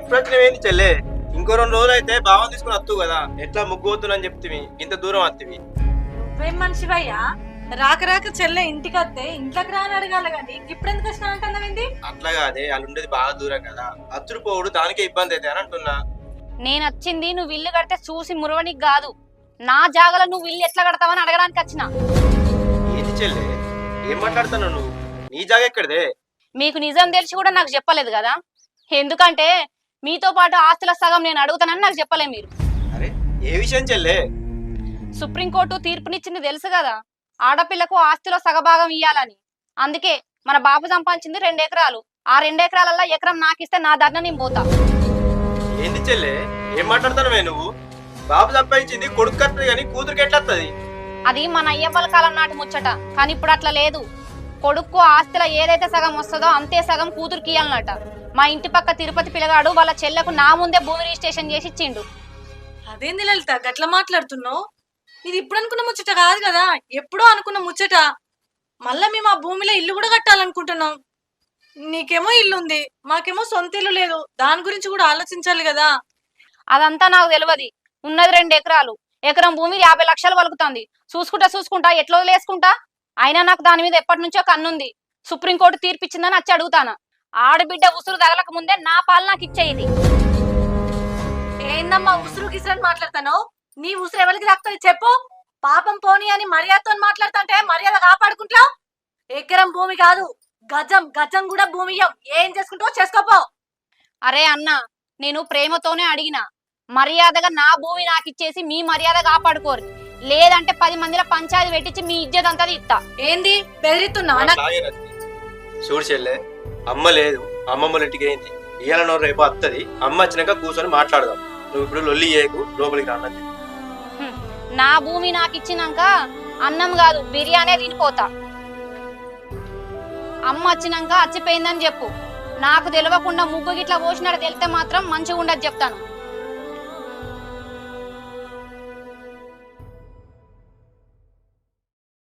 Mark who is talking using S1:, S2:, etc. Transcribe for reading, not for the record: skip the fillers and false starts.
S1: ఇప్పుడు వచ్చినవేంది చెల్లె? ఇంకో 2 రోజులు అయితే బావని తీసుకుని వస్తువు కదా, ఎట్లా ముగ్గుపోతున్నా చెప్తివి, ఇంత దూరం వత్తివి.
S2: నువ్వేం మనిషివయ్యా? రాక రాక చెల్లె ఇంటికి వస్తే ఇంట్లోకి రాని అడగాలి కానీ ఇప్పుడు ఎందుకు వచ్చినా అంటున్నావేంది?
S1: అట్లా కాదే, వాళ్ళు ఉండేది బాగా దూరం కదా, అచ్చుడు పోవుడు దానికే ఇబ్బంది అయితే అని అంటున్నా.
S3: నేను వచ్చింది నువ్వు ఇల్లు కడితే చూసి మురవనికి కాదు, నా జాగలో నువ్వు ఇల్లు ఎట్లా కడతావని అడగడానికి వచ్చిన.
S1: ఏంది చెల్లె, ఏం మాట్లాడుతున్నావు నువ్వు? నీ జాగ ఎక్కడిదే?
S3: మీకు నిజం తెలిసి కూడా నాకు చెప్పలేదు కదా, ఎందుకంటే మీతో పాటు ఆస్తుల సగం నేను అడుగుతానని నాకు చెప్పలే మీరు.
S1: అరే ఏ విషయం చెల్లె?
S3: సుప్రీంకోర్టు తీర్పునిచ్చింది తెలుసు కదా, ఆడపిల్లకు ఆస్తిలో సగభాగం ఇయ్యాలని. అందుకే మన బాబు సంపాదించింది 2 ఎకరాలు, ఆ 2 ఎకరాలల్లో ఎకరం నాకిస్తే నా ధరణ నేను పోతా.
S1: ఏంది చెల్లె, ఏం మాట్లాడుతున్నావే నువ్వు? బాబు సంపాదించింది కొడుకు కట్టదు కానీ కూతురికి ఎట్లా వస్తుంది?
S3: అది మన అయ్యప్పల కాలం నాటి ముచ్చట, కానీ ఇప్పుడు అట్లా లేదు. కొడుకు ఆస్తిలో ఏదైతే సగం వస్తుందో అంతే సగం కూతురికి ఇయ్యాలన్నట. మా ఇంటి పక్క తిరుపతి పిల్లగాడు వాళ్ళ చెల్లెకు నా ముందే భూమి రిజిస్ట్రేషన్ చేసి ఇచ్చిండు.
S2: అదేంది లలిత గట్ల మాట్లాడుతున్నావు? ఇది ఇప్పుడు అనుకున్న ముచ్చట కాదు కదా, ఎప్పుడో అనుకున్న ముచ్చట. మళ్ళా మేము ఆ భూమిలో ఇల్లు కూడా కట్టాలనుకుంటున్నాం. నీకేమో ఇల్లు ఉంది, మాకేమో సొంత ఇల్లు లేదు, దాని గురించి కూడా ఆలోచించాలి కదా.
S3: అదంతా నాకు తెలియదు. ఉన్నది 2 ఎకరాలు, ఎకరం భూమి 50 లక్షలు పలుకుతుంది. చూసుకుంటా ఎట్లా వదిలేసుకుంటా? అయినా నాకు దాని మీద ఎప్పటి నుంచో కన్నుంది. సుప్రీంకోర్టు తీర్పిచ్చిందని వచ్చి అడుగుతానా. ఆడబిడ్డ ఉసురు తగలక ముందే నా పాలు నాకు ఇచ్చేది.
S2: ఏందమ్మా ఉసురు గిసురని మాట్లాడతాను? నీ ఉసురు ఎవరికి తాకుతుంది చెప్పు? పాపం పోనీ అని మర్యాదతో మాట్లాడుతుంటే మర్యాద కాపాడుకుంటావు. ఎకరం భూమి కాదు, గజం గజం కూడా భూమి ఇయ్యం. ఏం చేసుకుంటావో చేసుకోపో.
S3: అరే అన్న, నేను ప్రేమతోనే అడిగిన, మర్యాదగా నా భూమి నాకు ఇచ్చేసి మీ మర్యాద కాపాడుకోరు, లేదంటే 10 మందిలో పంచాయతీ పెట్టించి మీ ఇజ్జత్ అంతా ఇస్తా.
S2: ఏంది బెదిరిస్తున్నావా?
S1: అట్లాగే రజని. చూడు చెల్లె, అమ్మ లేదు, అమ్మమ్మల ఇంటికి ఏంది, ఇయ్యాలనో రేపు వస్తుంది. అమ్మ వచ్చినాక కూర్చొని మాట్లాడదాం. నువ్వు ఇప్పుడు లొల్లి చేయకు, లోపలికి రాన్నది.
S3: నా భూమి నాకు ఇచ్చినాక అన్నం కాదు బిర్యానీ తినిపోతా. అమ్మ వచ్చినాక అచ్చిపోయిందని చెప్పు. నాకు తెలియకుండా ముగ్గు గిట్లా పోసినాడు తెలితే మాత్రం మంచిగా ఉండదు చెప్తాను.